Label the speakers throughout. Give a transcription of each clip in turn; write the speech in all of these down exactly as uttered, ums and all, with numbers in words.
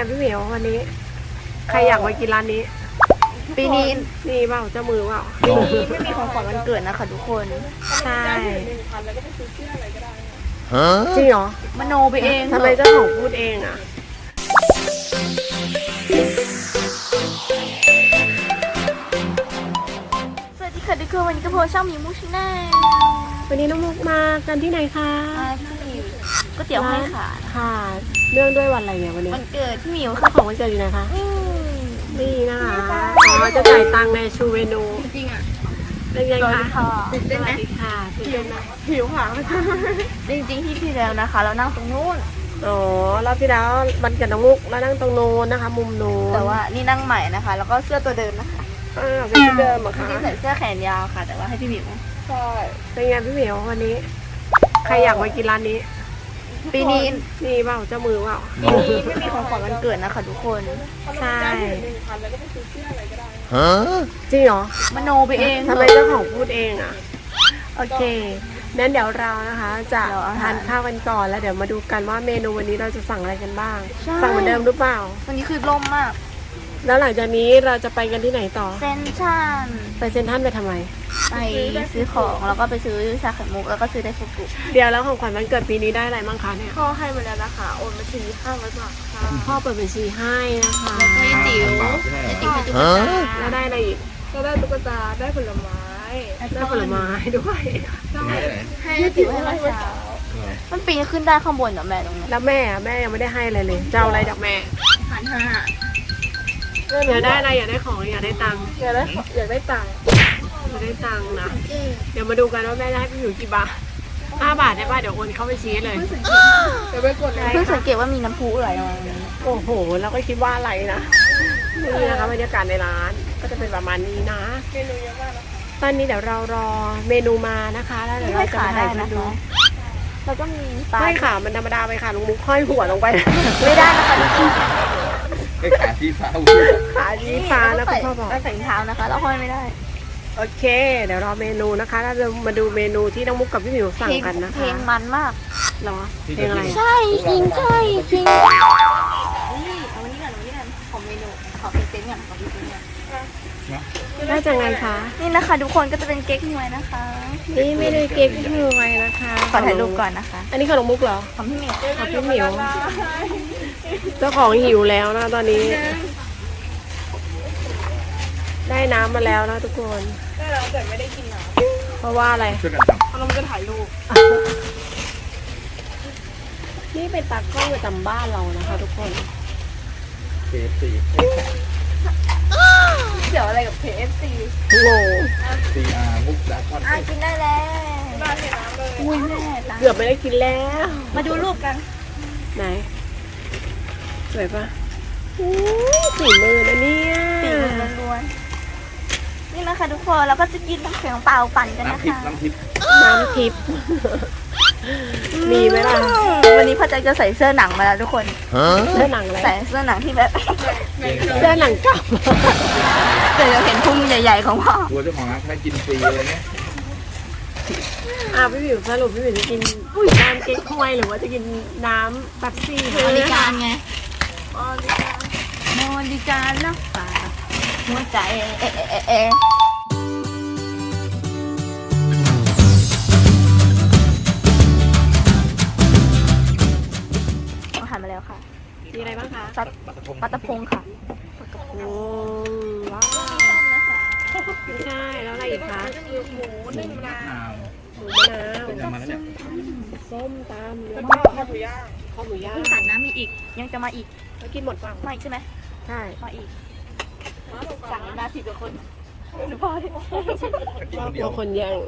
Speaker 1: พี่เหมียววันนี้ใครอยากมากินร้านนี้
Speaker 2: ปีนี้
Speaker 1: นี่เปล่าเจ้ามือเปล่า
Speaker 2: ปีนี้ไม่มีของขวัญวันเกิดนะคะทุกคน
Speaker 1: ใช่จริงเหรอ
Speaker 2: มโนไปเอง
Speaker 1: ทำไมเจ้าของพูดเองอ่ะ
Speaker 2: สวัสดีค่ะทุกคนวันนี้ก็โพสช่องมีมูชิน่า
Speaker 1: วันนี้น้องมุกมากันที่ไหนคะ
Speaker 2: ที่ก๋วยเตี๋ยวให้ค่ะ
Speaker 1: ค่ะเนื่องด้วยวันอะไรเนี่ยวันนี้
Speaker 2: วันเกิดพี่หมิว
Speaker 1: ค่ะของวันเกิดอยู่ไหนคะนี่นะคะอ๋อจะจ่ายตังค์ในชูเวนู
Speaker 2: จริงอ่ะ
Speaker 1: เป็นไงคะ
Speaker 2: ตื่นเต้นไหม
Speaker 1: ค่ะตื่นเต้นไหมหิวค่ะ
Speaker 2: จริงๆที่ที่แล้วนะคะเรานั่งตรงนู้น
Speaker 1: อ๋อรอบที่แล้ววันเกิดน้องมุกแล้วนั่งตรงโน้นนะคะมุมโน้น
Speaker 2: แต่ว่านี่นั่งใหม่นะคะแล้วก็เสื้อตัวเดิมนะคะ
Speaker 1: อ่าเป็นที่เดิมอะค่ะ
Speaker 2: ที่ใส่เสื้อแขนยาวค่ะแต่ว่าให้พี่หมิว
Speaker 1: ใช่เป็นไงพี่หมิววันนี้ใครอยากมากินร้านนี้
Speaker 2: ปีนี้
Speaker 1: นี่เปล่าเจ้ามือเปล่า
Speaker 2: ปีนี้ไม่มีของขวัญวันเกิดนะคะทุกคน
Speaker 1: ใช่จริงเหรอ
Speaker 2: มโนไปเอง
Speaker 1: ทำไมเจ้าของพูดเองอ่ะโอเคงั้นเดี๋ยวเรานะคะจะทานข้าวกันก่อนแล้วเดี๋ยวมาดูกันว่าเมนูวันนี้เราจะสั่งอะไรกันบ้างสั่งเหมือนเดิมหรือเปล่า
Speaker 2: วันนี้คือล่มมาก
Speaker 1: แล้วหลังจากนี้เราจะไปกันที่ไหนต่อ
Speaker 2: เซนทรัล
Speaker 1: ไปเซนทรัลไปทำไม
Speaker 2: ไปซื้อของแล้วก็ไปซื้อชาไข่มุกแล้วก็ซื้อไดฟุกุ
Speaker 1: เดี๋ยวแล้วของขวัญวันเกิดปีนี้ได้อะไรบ้างคะเนี่ย
Speaker 2: พ่อให้มาแล้วนะคะโอนบัญชีห้าร้อยบาทค่ะ
Speaker 1: พ่อเปิดบัญชีให้นะคะ
Speaker 2: แล้วก็จิ๋วจิ๋วให้ตุ๊กตา
Speaker 1: แล้วได้อะไรอีก
Speaker 2: ก็ได้ตุ๊กตาได้ผลไม้
Speaker 1: ได้ผลไม้ด้วย
Speaker 2: ให้จิ๋วให้มาเช้ามันปีนขึ้นได้ข้างบนเหรอแม่ตรงนี้
Speaker 1: แล้วแม่แม่ยังไม่ได้ให้อะไรเลยจะเอาอะไรจากแม่
Speaker 2: พันห้า
Speaker 1: อยากได้อะไรอยากได้ของอยากได้ตังค์
Speaker 2: อยากได้อยากได้ตังค์
Speaker 1: อยากได้ตังค์นะเดี๋ยวมาดูกันว่าแม่จะให้พี่หมิวกี่บาทห้าบาทได้ป่ะเดี๋ยวโอนเข้าไปชี้เลย
Speaker 2: เดี๋ยวไปกดเลยเพิ่งสังเกตว่ามีน้ำพุไหลออกมา
Speaker 1: โอ้โหเราก็คิดว่าอะไรนะนี่นะคะบรรยากาศในร้านก็จะเป็นประมาณนี้นะ
Speaker 2: เมนูเยอะมากนะคะ
Speaker 1: ตอนนี้เดี๋ยวเรารอเมนูมานะคะแล้วเดี๋ยวเราจะมาถ่ายมาดู
Speaker 2: เราก็มี
Speaker 1: ไม่ค่ะมันธรรมดาไปค่ะลุงมุกห้อยหัวลงไป
Speaker 2: ไม่ได้นะคะทุกคน
Speaker 3: ไอ้ขาชี้ฟ้า
Speaker 1: ขาชี้ฟ้าแล้วคุณพ่อบอก
Speaker 2: ใส่เท้านะคะแล้วห้อยไม่ได้
Speaker 1: โอเคเดี๋ยวรอเมนูนะคะแล้วเรามาดูเมนูที่น้องมุกกับพี่หมิวสั่งกันนะคะ
Speaker 2: เพลงมันมาก
Speaker 1: หรอเพลงอะไร
Speaker 2: ใช่จริงใช่จริงนี่เอาวันนี้ก่อนวันนี้ก่อนของเมนูขอเพลงเต้นก่อนขอเพลงเต้นก่อน
Speaker 1: ได้จากไงคะ
Speaker 2: นี่นะคะทุกคนก็จะเป็นเก๊กฮวยนะคะ
Speaker 1: นี่ไม่ได้เก๊กฮวยนะคะ
Speaker 2: ขอถ่ายรูปก่อนนะคะ
Speaker 1: อันนี้ขนมมุกเหรอ
Speaker 2: ของพี่หมิว
Speaker 1: ของพี่หมิวเจ้าของหิวแล้วนะตอนนี้ได้น้ำมาแล้วนะทุกคน
Speaker 2: ได้แล้วแต่ไม่ได้กินน้
Speaker 1: ำเพราะว่าอะไร
Speaker 2: เพราะเราจะถ่ายรูป
Speaker 1: นี่เป็นตากล้องประจำบ้านเรานะคะทุกคน
Speaker 3: เค เอฟ ซี
Speaker 2: เกี่ยวอะไรกับ เค เอฟ ซี
Speaker 1: โง่
Speaker 3: ซี อาร์ มุกดาคอน
Speaker 2: อ่ะกินได้แล้วบ้านเห็นน้ำเลยอุ้ยแม่
Speaker 1: เกือบไม่ได้กินแล้ว
Speaker 2: มาดูรูปกัน
Speaker 1: ไหนสวยปะสีมือนะเนี่ย
Speaker 2: สีมือล้วนๆนี่นะคะทุกคนเราก็จะกินน้ำแข็งเปล่าปั่นกันนะคะ
Speaker 3: น้ำทิพย์
Speaker 1: น้ำทิพย์มีไหมล่ะ
Speaker 2: วันนี้พ่อแจ็คจะใส่เสื้อหนังมาแล้วทุกคน
Speaker 1: เสื้อหนังอะไร
Speaker 2: ใส่เสื้อหนังที่แบบ
Speaker 1: เสื้อหนังเก่า
Speaker 2: เดี๋ยวเราเห็นพุงใหญ่ๆของพ่อ
Speaker 3: ตัวเจ้าของร้านให้กินฟรีเลยเนี่ย
Speaker 1: อ่ะพี่หมิวสรุปพี่หมิวจะกินน้ำเก๊กฮวยหรือว่าจะกินน้ำเป๊ปซี่
Speaker 2: บริการไงบริการบริการรักษาหัวใจเอเอเอหันมาแล้วค่ะ
Speaker 1: มีอะไรบ้างคะ
Speaker 2: ซัดปลาตะพงค่ะ
Speaker 1: ปลาตะพงว้าวไม่ใช่แล้วอะไรอีกคะ
Speaker 2: หมูนึ่งมะนาว
Speaker 1: หมูมะนาว
Speaker 3: ต้มมาแล้วเนี่ย
Speaker 1: ส้มตำ
Speaker 2: แล้วก็ข้าวหมูย่าง
Speaker 1: ข้าวหมูย่าง
Speaker 2: ตัดน้ำมีอีกยังจะมาอีก
Speaker 1: แล้วกินหมดเปล่า
Speaker 2: ไม่ใช่ไหม
Speaker 1: ใช่
Speaker 2: มาอีกสั่งมาสิบกว่าคนหรือเปล่า
Speaker 1: ตัวคนแย่ง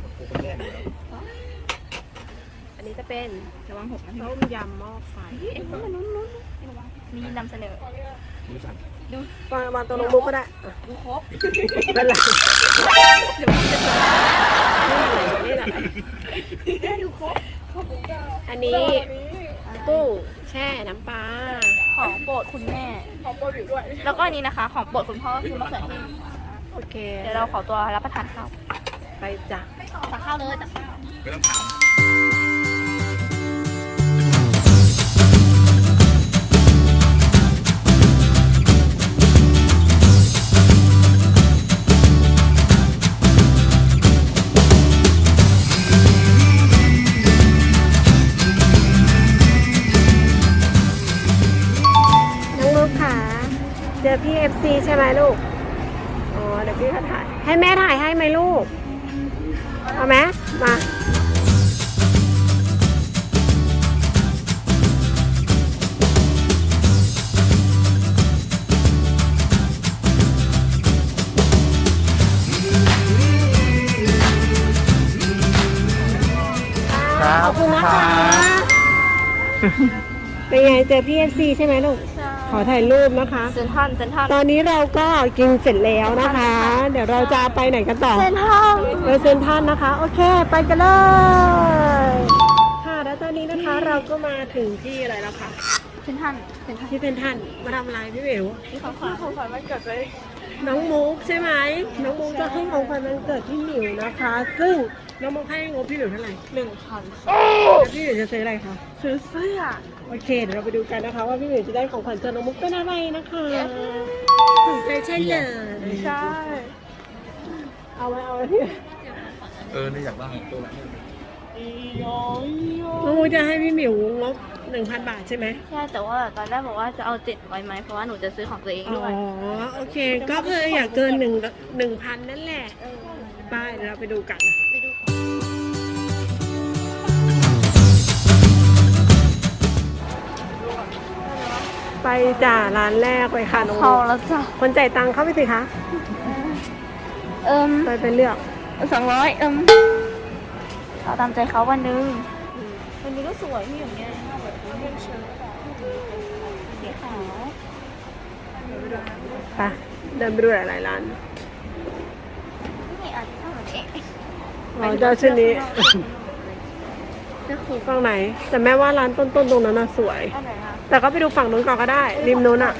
Speaker 1: อันนี้จะเป็น
Speaker 2: ระวังหกนะ
Speaker 1: ต้มยำหม้อไฟ
Speaker 2: เอ๊ะมันนู้นนู้นมีนำเสนอ
Speaker 1: ดูฟังมาตัวน้องมุกก็ได้
Speaker 2: ดูครบ
Speaker 1: เป็นไรเดี๋ยวมันจะนี่อะไรนี่อะไร
Speaker 2: ดูครบ
Speaker 1: อันนี้กุ้งแช่น้ำปลา
Speaker 2: ของโปรดคุณแม่
Speaker 1: ของโปรดอยู่ด้วย
Speaker 2: แล้วก็อันนี้นะคะของโปรดคุณพ่อคือมะเขือเทศ
Speaker 1: โอเค
Speaker 2: เดี๋ยวเราขอตัวรับประทานข้าว
Speaker 1: ไปจ้ะ
Speaker 2: ตักข้าวเลยตักข้าว
Speaker 3: ไม่ต้องถาม
Speaker 1: เจอพี่เอฟซีใช่ไหมลูก อ๋อ เดี๋ยวพี่เขาถ่าย ให้แม่ถ่ายให้ไหมลูก เอาไหมมา ขอบคุณนะคะ เป็นไงเจอพี่เอฟซีใช่ไหมลูก ขอถ่ายรูปนะคะ
Speaker 2: เซนทันเซนทัน
Speaker 1: ตอนนี้เราก็กินเสร็จแล้วนะคะ เดี๋ยวเราจะไปไหนกันต่อ
Speaker 2: เซนทัน
Speaker 1: ไปเซนทรันนะคะ โอเค ไปกันเลย ค่ะแล้วตอนนี้นะคะเราก็มาถึงที่อะไรแล้วคะ
Speaker 2: เซนทันเซนทัน
Speaker 1: ที่เซนทรันมาทำอะไรพี่เหว
Speaker 2: ที่เขาขวัญของขวัญวันเกิดเลย
Speaker 1: น้องมุกใช่ไหมน้องมุกจะให้ของขวัญวันเกิดพี่หมิวนะคะ ซึ่งน้องมุกให้งบพี่หมิวเท่าไหร่
Speaker 2: หนึ่งพัน
Speaker 1: แล้วพี่หมิวจะซื้ออะไรคะ
Speaker 2: ซื้อเสื้อ
Speaker 1: โอเคเดี๋ยวเราไปดูกันนะคะ ว่าพี่หมิวจะได้ของขวัญจากน้องมุกเป็นอะไรนะคะถูกใจใช่เลย
Speaker 2: ใช่
Speaker 1: เอาไว้เอาไว้พี่
Speaker 3: เออนี่อยากได้ตัวละ
Speaker 1: น้องมุกจะให้พี่หมิวงบหนึ่งพันบาทใช่ไหม
Speaker 2: ใช่แต่ว่าตอนแรกบอกว่าจะเอาเจ็ดไว้ไหมเพราะว่าหนูจะซื้อของตัวเอง
Speaker 1: อ๋
Speaker 2: ด้วย
Speaker 1: อโอเค ก็คืออยากเกินหนึ่งหนึ่งพันนั่นแหละไปเดี๋ยวเราไปดูกัน
Speaker 2: ไปดู
Speaker 1: ไปจ่าร้านแรกไปค่ะน้อง
Speaker 2: เขาแล้วจ้ะ
Speaker 1: คนจ่ายตังค์เข้าไปสิคะ
Speaker 2: เอิม
Speaker 1: ไปไปเลือก
Speaker 2: สองร้อยเอิมเอาตามใจเขาวันนึงวันนี้ก็สวยที่อย่างเงี้ยเป็นเชิ้ตสีขาว
Speaker 1: ไปเดินไปดูหลายๆร้าน
Speaker 2: นี่อาจจะเหมือนเอ๊ะ
Speaker 1: อ๋อเจ้าชุดนี้
Speaker 2: จะขู่
Speaker 1: ฝั่งไหน แต่แม่ว่าร้านต้นๆตรงนั้นน่ะสวย
Speaker 2: อันไหนคะ
Speaker 1: แต่ก็ไปดูฝั่งนู้นก่อนก็ได้ ริมนู้นอ่ะ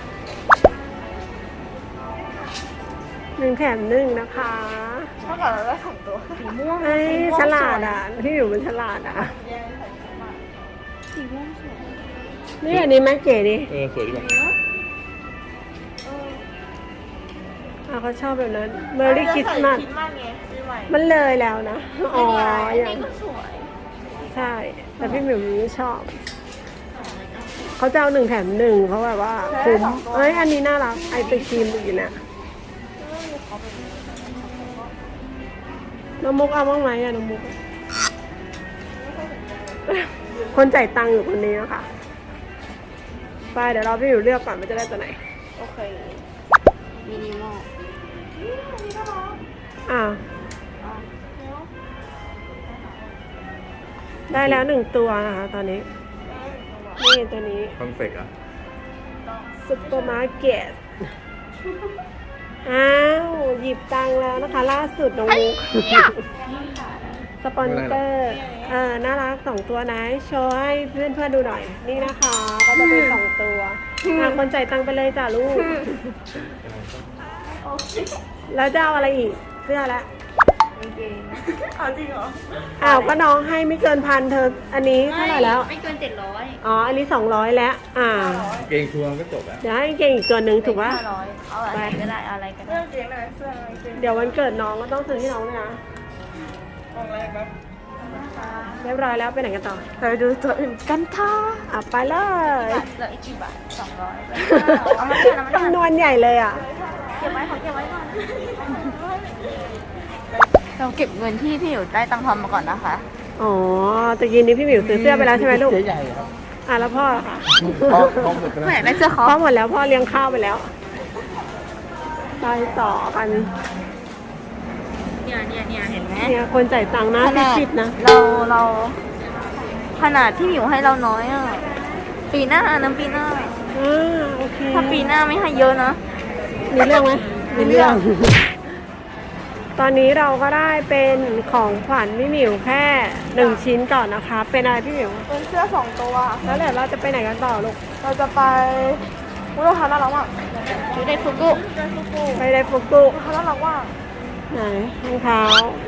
Speaker 1: หนึ่งแถมหนึ่งนะคะ
Speaker 2: เท่ากับเราได้สองตัวสีม่วง
Speaker 1: เอ้ยฉลาดอ่ะพี่อยู่เป็นฉลาดอ่ะ
Speaker 2: สีม่วงสวย
Speaker 1: นี่อันนี้แม่เก๋ดิ
Speaker 3: เออสวยดีกว่า
Speaker 1: อ่ะเขาชอบแบบนั้น Merry Christmas
Speaker 2: คิดมากไงซื้อใหม่
Speaker 1: มันเลยแล้วนะ อ๋อ
Speaker 2: อัน
Speaker 1: อย่าง
Speaker 2: นี้ก็สวย
Speaker 1: ใช่ แต่พี่หมิวไม่ชอบ เขาจะเอาหนึ่งแถมหนึ่งเพราะแบบว่าคุ้มเอ้ย อันนี้น่ารัก ไอศครีมอยู่เนี่ยน้องมุกเอาบ้างไหมอะน้องมุก คนจ่ายตังค์อยู่คนนี้นะคะ ไปเดี๋ยวเราพี่หมิวเลือกก่อนมันจะได้ตัวไหน
Speaker 2: โอเคมินิมอล
Speaker 1: อ่า ได้แล้วหนึ่งตัวนะคะตอนนี้ นี่ตัวนี้
Speaker 3: คอนเฟกต์อ่ะ
Speaker 1: ซุปเปอร์มาร์เก็ต อ้าว หยิบตังค์แล้วนะคะ ล่าสุดน้องมุก สปอนเซอร์ เออ น่ารักสองตัวนะ โชว์ให้เพื่อนเพื่อนๆดูหน่อย นี่นะคะ ก็จะเป็นสองตัวอ่ะคนจ่ายตังค์ไปเลยจ้ะลูก แล้วจะเอาอะไรอีก เสื้อละ
Speaker 2: เอาจริงเหรอ
Speaker 1: อ้าว ก็น้องให้ไม่เกินพันเธอ อันนี้เท่าไหร่แล้ว
Speaker 2: ไม่เกินเจ็ดร้อย
Speaker 1: อ๋อ อันนี้สองร้อยแล้ว อ่า
Speaker 3: เกงทัวร์ก็จบแล้ว
Speaker 1: เดี๋ยวให้เก่งอีกตัวหนึ่งถูกปะ
Speaker 2: ห้าร้อยเอาอะไรก็ได้เอาอะไรก็ได้
Speaker 1: เดี๋ยววันเกิดน้องก็ต้องซื้อให้น้องด้วยนะเรียบร้อยแล้วไปไหนกันต่อ
Speaker 2: ไปดูตัวอื่นกันค่ะ
Speaker 1: อ่ะไปเลย
Speaker 2: เหลืออีกกี่บาทสองร้อยเอามาเถอะเอามาเถ
Speaker 1: จำน
Speaker 2: อะ
Speaker 1: วนใหญ่เลยอ่ะ
Speaker 2: เก็บไว้ขอเก็บไว้ก่อนเราเก็บเงินที่พี่อยู่ได้ตังค์ทอนมาก่อนนะคะ
Speaker 1: อ๋อตะกี้นี้พี่หมิวซื้อเสื้อไปแล้วใช่ไหมลูก
Speaker 3: เจ๊ใหญ่ครับ
Speaker 1: อ่ะแล้วพ่อล่ะคะ
Speaker 3: พ่อพ่อหมดไปแล้ว
Speaker 2: แหมได้เสื้อคอ
Speaker 1: พ่อหมดแล้วพ่อเลี้ยงข้าวไปแล้วไปต่อกัน
Speaker 2: เนี่ยเนี่ยเนี่ยเห็นไหม
Speaker 1: เนี่ยคนจ่ายตังค์นะ
Speaker 2: ข
Speaker 1: ที่
Speaker 2: นาด
Speaker 1: คิดนะ
Speaker 2: เราเราขนาดที่อยู่ให้เราน้อยอ่ะปีหน้านะปีหน้า
Speaker 1: อ่าโอเค
Speaker 2: ถ้าปีหน้าไม่ให้เยอะนะ
Speaker 1: มีเรื่องไหม
Speaker 2: มีเรื่อง
Speaker 1: ตอนนี้เราก็ได้เป็นของขวัญพี่หมิวแค่หนึ่งชิ้นก่อนนะคะ เป็นอะไรพี่หมิว
Speaker 2: เป็นเสื้อสองตัว
Speaker 1: แล้วเดี๋ยวเราจะไปไหนกันต่อลูก
Speaker 2: เราจะไปวุ้ยเราทำน่ารักมากชุดไดฟุกุ
Speaker 1: ไปไดฟุกุ
Speaker 2: ทำน่ารักมาก
Speaker 1: ไหนรองเท้า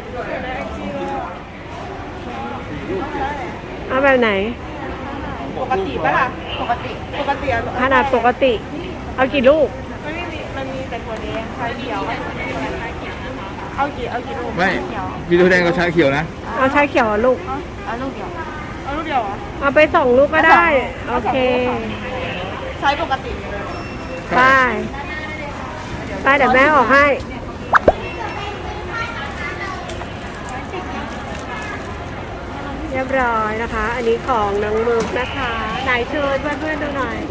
Speaker 1: เอาแบบไหน
Speaker 2: ปกติปะล่ะปกติปกติ
Speaker 1: ขนาดปกติ เอากี่ลูก
Speaker 2: มันไม่มีมันมีแต่ตัวนี้ชาเขียวเอากี่เอากี่ลูก
Speaker 3: ไม่วิดีโอแดงกับชาเขียวนะ
Speaker 1: เอาชาเขียวอ่ะลูก
Speaker 2: เอาลูกเดียวเอาลูกเดียวเหรอ
Speaker 1: เอาไปสองลูกก็ได้ โอเค
Speaker 2: ใช้ปกติ
Speaker 1: ไปไปเดี๋ยวแม่ออกให้ เรียบร้อยนะคะ อันนี้ของน้องมึกนะคะไหนเชิญเพื่อนๆดูหน่อย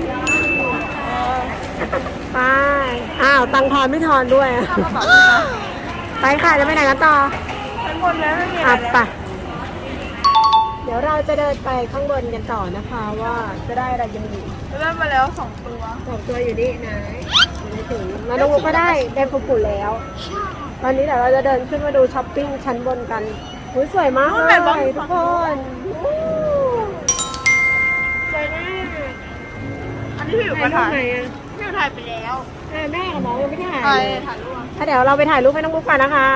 Speaker 1: ไปอ้าวตังทอนไม่ทอนด้วย ไปค่ะจะไปไหนกันต่อ
Speaker 2: ข้างบนแล้วไม่มี
Speaker 1: อ่ะ
Speaker 2: อะไร
Speaker 1: ไปเดี๋ยวเราจะเดินไปข้างบนกันต่อนะคะว่าจะได้อะไรกันอีก
Speaker 2: เริ่มมาแล้วสองตัว
Speaker 1: สองตัวอยู่นี่นะไม่ถึงมาดูก็ได้ได้ฟุกุแล้ว ตอนนี้เดี๋ยวเราจะเดินขึ้นมาดูช้อปปิ้งชั้นบนกันอุ๊ยสวยมากเลยทุกคนอู้สวยมาก
Speaker 2: อันนี้พี่อยู่
Speaker 1: ถ่า
Speaker 2: มาย
Speaker 1: รูป
Speaker 2: ถ่าย
Speaker 1: ไหนอ่ะ
Speaker 2: พี่อยู่ถ่ายไปแล้ว
Speaker 1: เออแม่กับน้องยังไม่ถ่าย
Speaker 2: ถ่าย
Speaker 1: เลย
Speaker 2: ถ่ายรูป
Speaker 1: ถ้าเดี๋ยวเราไปถ่ายรูปให้น้องบุ๊กกันนะคะ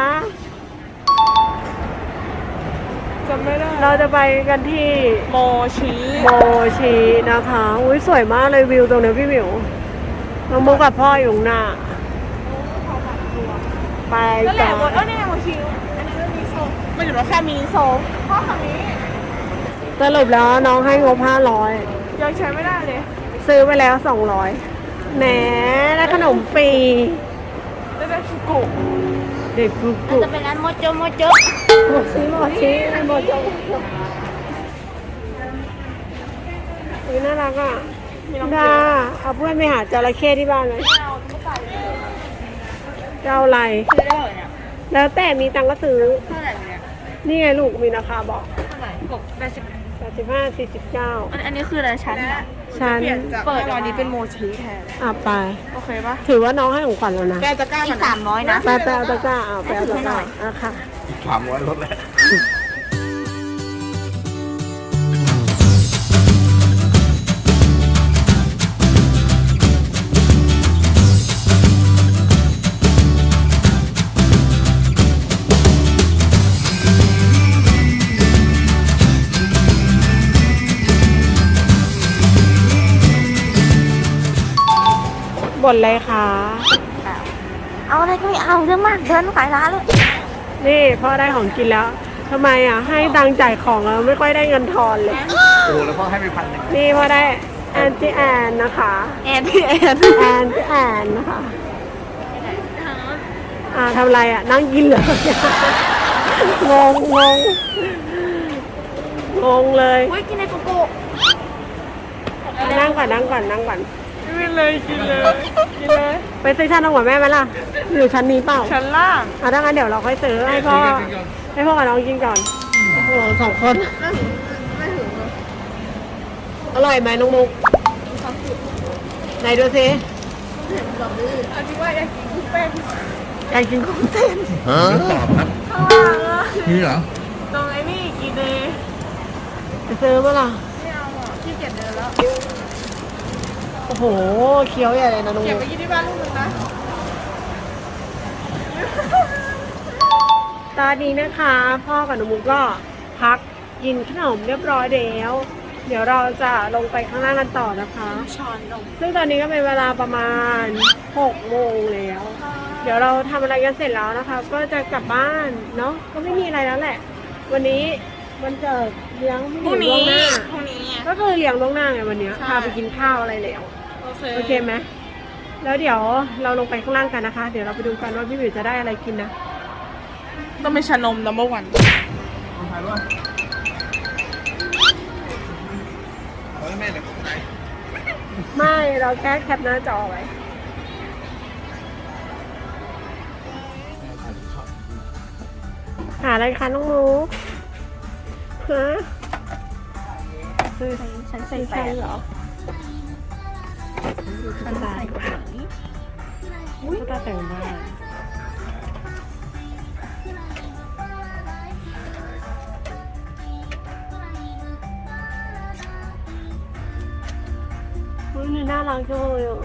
Speaker 2: จำไม่ได้
Speaker 1: เราจะไปกันที่
Speaker 2: โมชิ
Speaker 1: โมชินะคะอุ้ยสวยมากเลยวิวตรงนี้พี่หมิวน้องบุ๊กกับพ่ออยู่ข้างหน้าไป
Speaker 2: นั่นแห
Speaker 1: กั
Speaker 2: ละ
Speaker 1: น
Speaker 2: หมดแล้วเนี่ยโมชิอันนี้ไม่มีโซไม่อยู่แล้วแค่มินิโซพ่อคันนี้
Speaker 1: สรุปแล้วน้องให้งบห้าร้อย
Speaker 2: ยังใช้ไม่ได้เลย
Speaker 1: ซื้อไปแล้วสองร้อยแหมได้ขนมฟรี
Speaker 2: ได้เป็นฟุกุ
Speaker 1: เด็กฟุกุ
Speaker 2: จะเป็นร้านโมโจโมโจ
Speaker 1: โมชิโมชิโมโจอุ้ยน่ารักอ่ะ
Speaker 2: มีน้อง
Speaker 1: ดาเอาเพื่อนไปหาจระเข้ที่บ้านไหม
Speaker 2: เอาไม่ใส่เลย
Speaker 1: จะเอาอะไร
Speaker 2: ซื้อได้เหรอเนี่ย
Speaker 1: แล้วแต่มีตังค์ก็ซื้อ
Speaker 2: เท่าไหร่เนี่ย
Speaker 1: นี่ไงลูกมีราคาบอก
Speaker 2: เท่าไหร่หกแปดสิบ
Speaker 1: แปดสิบห้าสี่สิบเก้า
Speaker 2: อันอันนี้คืออะไรชั้นอะ
Speaker 1: ชั้น
Speaker 2: เปิดตอนนี้เป็นโมชิแทน
Speaker 1: อ่ะไป
Speaker 2: โอเคปะ
Speaker 1: ถือว่าน้องให้ของขวัญแล้วนะ
Speaker 2: แกจะกล้าอีกสามร้อยนะ
Speaker 1: ไปไปเอาตะกร้าเอาไปเอาตะกร้าอ่ะค่ะ
Speaker 3: สามร้อยลดแล้ว
Speaker 1: บ่นเลยค่ะ
Speaker 2: เอาอะไรก็ไม่เอาเรื่องมากเดินขายร้านเลย
Speaker 1: นี่พ่อได้ของกินแล้วทำไมอ่ะ ให้ตังค์จ่ายของแล้วไม่ค่อยได้เงินทอนเลย
Speaker 3: โอ้โหแล้วพ่อให้ไปพันหนึ่ง
Speaker 1: นี่พ่อได้แอนตี้แอนนะคะ
Speaker 2: แอนพี่แอน
Speaker 1: แอนตี้แอนนะคะ อ่าทำอะไรอ่ะ นั่งกินเหรอ งงงงงงเลย
Speaker 2: อุ้ยกินในฟุกุ
Speaker 1: อ่ะนั่งก่อนนั่งก่อนนั่งก่อน
Speaker 2: กินเลยกินเลยกินเลย
Speaker 1: ไปซื้อชั้นน้องหัวแม่ไหมล่ะอยู่ชั้นนี้เปล่า
Speaker 2: ชั้นล่าง
Speaker 1: อ่ะถ้างั้นเดี๋ยวเราค่อยซื้อให้พ่อให้พ่อกับน้องกินก่อนโอ้โหสองคน
Speaker 2: ไม่ถึงเลย
Speaker 1: อร่อยไหมน้องมุกไหนดูสิ
Speaker 2: อันนี้ว่าอยากกินกุ้งเต้น
Speaker 1: อยากกินกุ้งเต้น
Speaker 3: ฮะตอบครับ
Speaker 2: ข้างล่างอะ
Speaker 3: นี่เหรอ
Speaker 2: ตรงไอ้นี่กินเลย
Speaker 1: ไปซื้อเมื่อไหร่
Speaker 2: ไม่เอาอ่ะขี้เกียจเดินแล้ว
Speaker 1: โอ้โหเคี้ยวใหญ่เลยนะน้อง
Speaker 2: เก็บ
Speaker 1: มุ
Speaker 2: ไป
Speaker 1: ก
Speaker 2: กินที่บ้านลูกนึงนะ
Speaker 1: ตอนนี้นะคะ พ่อกับน้องมุกก็พักกินขนมเรียบร้อยแล้วเดี๋ยวเราจะลงไปข้างล่างกันต่อนะคะ
Speaker 2: ช้อนนม
Speaker 1: ซึ่งตอนนี้ก็เป็นเวลาประมาณหกโมงแล้ว เดี๋ยวเราทำอะไรกันเสร็จแล้วนะคะ ก็จะกลับบ้านเนาะก็ไม่มีอะไรแล้วแหละ วันนี้วันเกิดเลี้ยงพี่ห
Speaker 2: พรุ่
Speaker 1: นู
Speaker 2: ง
Speaker 1: ล่ว
Speaker 2: นี้
Speaker 1: งหน้า
Speaker 2: พรุ่งนี้
Speaker 1: ก็คือเลี้ยงล่วงหน้าไงวันเนี้ย
Speaker 2: ใช่
Speaker 1: พาไปกินข้าวอะไรแล้ว
Speaker 2: โอเค
Speaker 1: โอเคไหมแล้วเดี๋ยวเราลงไปข้างล่างกันนะคะ เดี๋ยวเราไปดูกันว่าพี่หมิวจะได้อะไรกินนะ
Speaker 2: ต้องเป็นชานม number one
Speaker 3: ถ่ายรูปเอาให้แม่หน่อยของไหน
Speaker 1: ไม่เราแค่แคปหน้าจอไว้หาอะไรคะน้องมุกฮะซื้อ
Speaker 2: ฉันใส่
Speaker 1: ซื้อ
Speaker 2: แป
Speaker 1: ใช่
Speaker 2: ด
Speaker 1: เหรอ
Speaker 2: ฉันใส่กว่านี้
Speaker 1: ก็ตาแต่งบ้านอุ๊ยนี่น่ารักจังเลยอ่ะ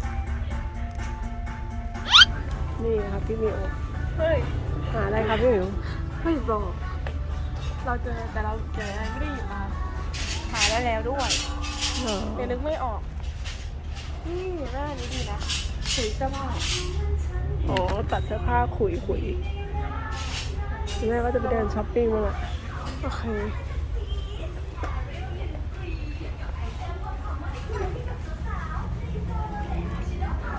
Speaker 1: นี่ครับพี่หมิว
Speaker 2: เฮ้ย
Speaker 1: หาอะไรครับพี่หมิว
Speaker 2: ไม่บอก เราเจอแต่เราเจออะไรไม่ได้หยิบมา หาได้แล้วด้วย
Speaker 1: เหรอ
Speaker 2: เดี๋ยวนึกไม่ออก นี่หน้านี้ดีนะสีเสื้อผ้า
Speaker 1: อ๋อตัดเสื้อผ้าขุยขุยแม่ว่าจะไปเดินช้อปปิ้งมาอ่ะ
Speaker 2: โอเค
Speaker 1: น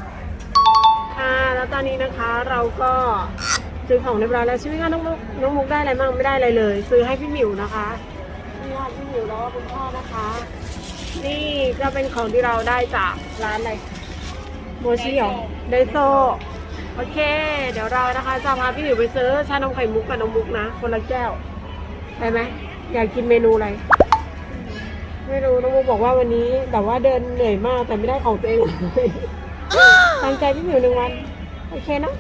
Speaker 1: แล้วตอนนี้นะคะเราก็ซื้อของเรียบร้อยแล้วใช่ไหมคะน้องมุกน้องมุกได้อะไรบ้างไม่ได้อะไรเลย ซื้อให้พี่หมิวนะคะนี่ค่ะพี่หมิวแล้วก็คุณพ่อนะคะ นี่ก็เป็นของที่เราได้จากร้านอะไรโมชิหรอไดโซโอเค เดี๋ยวเรานะคะจะพาพี่หมิวไปซื้อชานมไข่มุกกับน้องมุกนะคนละแก้วได้ไหมอยากกินเมนูอะไรไม่รู้น้องมุกบอกว่าวันนี้แบบว่าเดินเหนื่อยมากแต่ไม่ได้ของตัวเองเลยตั้งใจพี่หมิวหนึ่งวันโอเคนะ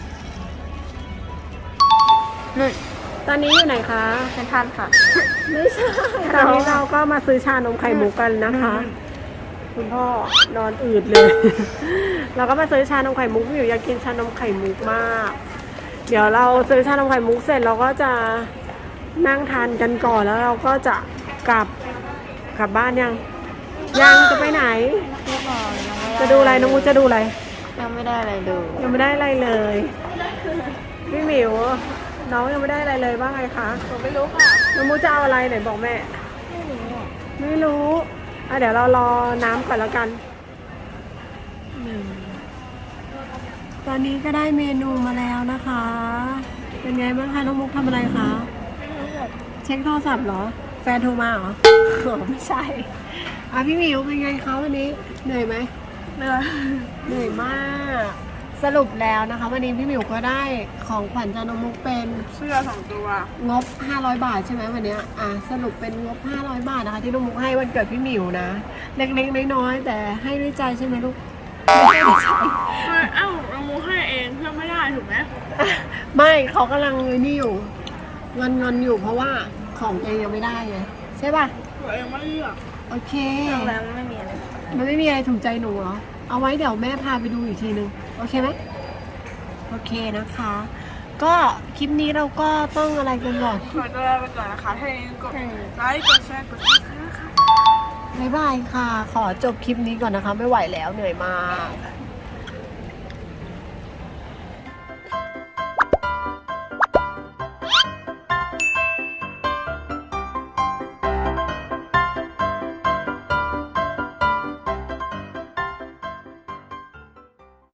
Speaker 2: นู่น
Speaker 1: ตอนนี้อยู่ไหนคะ
Speaker 2: เป็นท่านค่ะ
Speaker 1: ไม่ใช่ ตอนนี้เราก็มาซื้อชานมไข่มุกกันนะคะ คุณพ่อนอนอืดเลย เราก็มาซื้อชานมไข่มุกพี่หมิวอยากกินชานมไข่มุกมาก เดี๋ยวเราซื้อชานมไข่มุกเสร็จเราก็จะนั่งทานกันก่อนแล้วเราก็จะกลับกลับบ้านยัง ยังจะไปไหน
Speaker 2: เรียบร้อยยังไม่ได้
Speaker 1: จะดูอะไรน้องมุกจะดูอะไร
Speaker 2: ยังไม่ได้อะไรดู
Speaker 1: ยังไม่ได้อะไรเลย พี่หมิวน้องยังไม่ได้อะไรเลยว่าไงคะ
Speaker 2: ผมไม่รู้ค่ะ
Speaker 1: น้องมุกจะเอาอะไรไหนบอกแม่
Speaker 2: ไม่รู้อ่ะ
Speaker 1: ไม่รู้อ่ะเดี๋ยวเรารอน้ำก่อนแล้วกันหนึ่งตอนนี้ก็ได้เมนูมาแล้วนะคะ เป็นไงบ้างคะน้องมุกทำอะไรคะ เช็คโทรศัพท์เหรอ แฟนโทรมาเหรอ อ๋อไม่ใช่อ่ะพี่หมิวเป็นไงคะวันนี้เหนื่อยไหม
Speaker 2: เหนื่อย
Speaker 1: เหนื่อยมาก สรุปแล้วนะคะ วันนี้พี่หมิวก็ได้ของขวัญจากน้องมุกเป็น
Speaker 2: เสื้อสองตัว
Speaker 1: งบ ห้าร้อย บาทใช่ไหมวันเนี้ยอ่ะสรุปเป็นงบ ห้าร้อย บาทนะคะที่น้องมุกให้วันเกิดพี่หมิวนะ เล็กๆน้อยๆแต่ให้ด้วยใจใช่ไหมลูกไม่ให้ด้วยใจ
Speaker 2: เอ้าเรามูให้เองเพื่อไม่ได้ถูกไหม
Speaker 1: ไม่เขากำลังนี่อยู่งอนงอนๆอยู่เพราะว่าของตัวเองยังไม่ได้ไงใช่ป่ะ
Speaker 2: ตัวเองไม่เลือก
Speaker 1: โอเค
Speaker 2: เลือกแล้วไม่มีอะไร
Speaker 1: มันไม่มีอะไรถูกใจหนูเหรอ เอาไว้เดี๋ยวแม่พาไปดูอีกทีนึง โอเคไหมโอเคนะคะ ก็คลิปนี้เราก็ต้องอะไรกันก่อน
Speaker 2: ขอตัวลาไปก่อนนะคะให้กดไลค์กดแชร์กดซับสไครต์ค่ะ
Speaker 1: บ๊ายบายค่ะ ขอจบคลิปนี้ก่อนนะคะ ไม่ไหวแล้วเหนื่อยมาก